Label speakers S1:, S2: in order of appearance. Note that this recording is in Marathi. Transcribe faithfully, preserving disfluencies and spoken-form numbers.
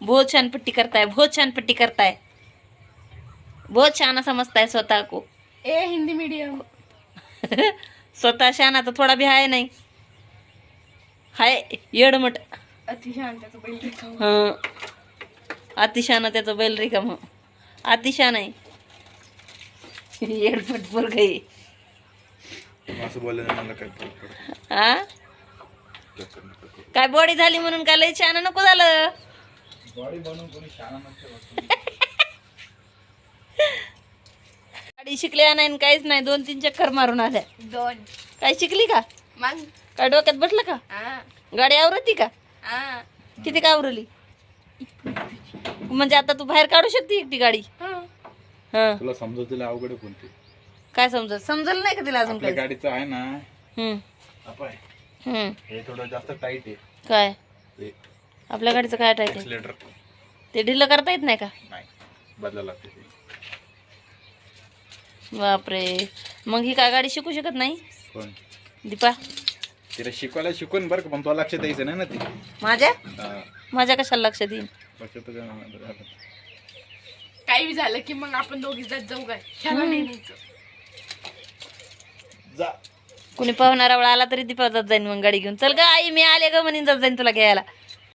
S1: बहुत छान पट्टी करताय, बहुत छान पट्टी करताय, बहुत शाना समझता है स्वतः को.
S2: ए हिंदी मीडियम.
S1: स्वतः शाना तर थोडा भी आहे नाही, हाय येडमट.
S2: अतिशहाण त्याचं बैल रिकामं.
S1: हं, अतिशाना त्याचं बैल रिकाम. अतिशान आहे, येडमट पोरग आहे.
S3: असं बोलल्याने मला काय फरक पडतो?
S1: हा काय बॉडी झाली म्हणून काय लय छान नको झालं.
S3: बॉडी बनवून कोणी शाळा नसते.
S1: गाडी शिकल्या नाही न काहीच नाही, दोन तीन चक्कर मारून आल्या.
S2: दोन.
S1: काय शिकली का?
S2: मग
S1: काय डोक्यात बसलं का?
S2: हा
S1: गाडी आवरती का?
S2: हा
S1: किती का आवरली? म्हणजे आता तू बाहेर काढू शकते एकटी गाडी?
S2: हा.
S1: हा
S3: तुला समजवतील अवघड आहे कोणती?
S1: काय समजत समजल नाही का तिला अजून
S3: आपल्या
S1: काय?
S3: गाडीचं आहे ना,
S1: हम्म
S3: अपाय
S1: हम्म
S3: हे थोडं जास्त टाईट आहे.
S1: काय
S3: ते
S1: आपल्या गाडीचं काय टाईट आहे?
S3: एक्सिलेटर
S1: ते ढिल्लं करता येत नाही का?
S3: नाही, बदलायला लागते ते.
S1: बापरे, मग ही काय गाडी शिकू शकत नाही
S3: पण
S1: दीपा?
S3: तिला शिकवायला शिकवून बरं का, पण तुला लक्ष द्यायचं नाही ना ते.
S1: माझ्या
S3: हा,
S1: माझ्या कशाला लक्ष देईन?
S3: लक्षात तर नाही.
S2: काही बी झालं की मग आपण दोघी जात जाऊ काय ह्याला नाही न्यायचं.
S3: जा
S1: कुणी पाहुणारा वेळा आला तरी दीपा जात जाईन मग गाडी घेऊन. चल ग आई मी आले ग म्हणून जात जाईन तुला घ्यायला.